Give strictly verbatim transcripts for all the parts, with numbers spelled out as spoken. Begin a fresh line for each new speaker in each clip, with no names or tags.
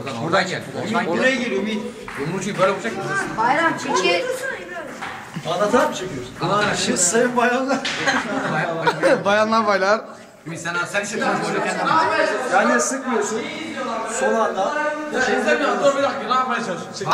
Oradan oradan gel. Oradan
Buraya geliyor Ümit.
Yumrucuyu böyle vuracak mısın?
Bayram çekil.
Anlatarak mı çekiyorsun?
Anlatarak.
Şimdi sayın bayanlar.
Bayanlar baylar.
Ümit sen sen işte tam böyle kendin.
Yani sıkmıyorsun. Son anda.
Şey istemiyorum. Dur bir dakika. Ne yapmaya çalışıyorsun?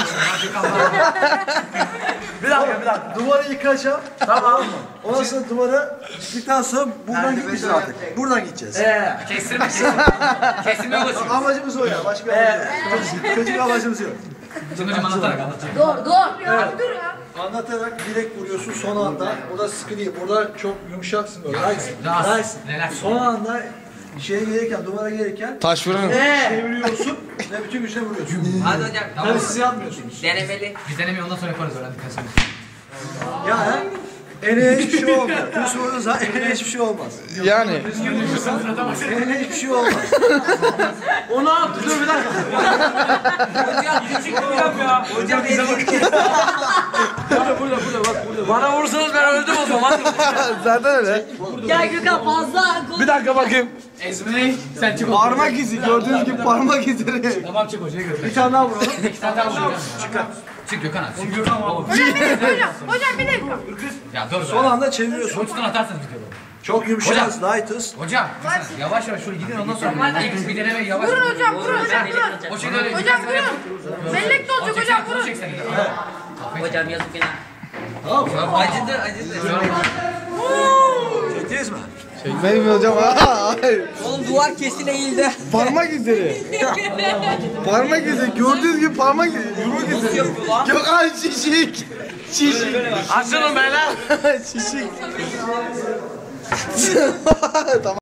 Bir dakika bir dakika. Duvarı yıkacağım. Tamam mı? Ondan sonra duvarı yıktıktan sonra buradan gitmeyeceğiz artık. Buradan gideceğiz.
Eee.
Kestirme kestirme. Kestirme ulaşıyor.
Amacımız o ya. Başka bir amacımız yok. Kötü bir amacımız yok.
Şimdi hocam anlatarak anlatacağım.
Dur dur. Ya dur ya.
Anlatarak direkt vuruyorsun son anda. Burada sıkı değil. Burada çok yumuşaksın böyle. Nice.
Rahat.
Nice.
Relax.
Son anda şeye gelirken, duvara gelirken
Taş vurun.
çeviriyorsun ve bütün güçle vuruyorsun.
Hadi hocam.
Tabii siz yapmıyorsunuz.
Denemeli. Biz denemeyi ondan sonra yaparız öğrendikten sonra.
Ya eline hiçbir şey olmaz. Düz vurduğun zaman eline hiçbir şey olmaz.
Yani.
Eline hiçbir şey olmaz.
Onu at. Dur bir dakika. Hocam küçük bir dakika ya. Hocam bize bak. Burada burada burada bak burada. Bana vursanız ben öldüm o zaman.
Zaten öyle.
Ya Gökhan fazla.
Bir dakika bakayım.
Ezmi sen çık.
Parmak izi. Gördüğünüz gibi parmak izleri.
Tamam çık hocaya götür.
Bir tane daha vuralım.
İki tane daha vuracağım. Çık. Çık Gökhan abi. Çık Gökhan abi.
Hocam bir dakika hocam. Hocam bir dakika.
Ya dur.
Son anda çeviriyorsun.
Uçtan atarsınız videoyu.
Çok yumuşağız, light'ız.
Hocam mesela yavaş yavaş şöyle gidin ondan sonra ilk bir deneme yavaş.
Vurun hocam vurun hocam vurun.
O şeyde öyle.
Hocam vurun. Bellek de olacak hocam vurun.
Hocam yazık günah.
Tamam mı?
Acıdı acıdı.
Çektiniz mi?
Çekmeyin mi hocam? Hayır.
Oğlum duvar kesin eğildi.
Parmak izleri. Parmak izi. Gördüğünüz gibi parmak izi. Yumruk izi. Gökhan şişik. Şişik.
Açılın beyler.
Şişik. Tamam.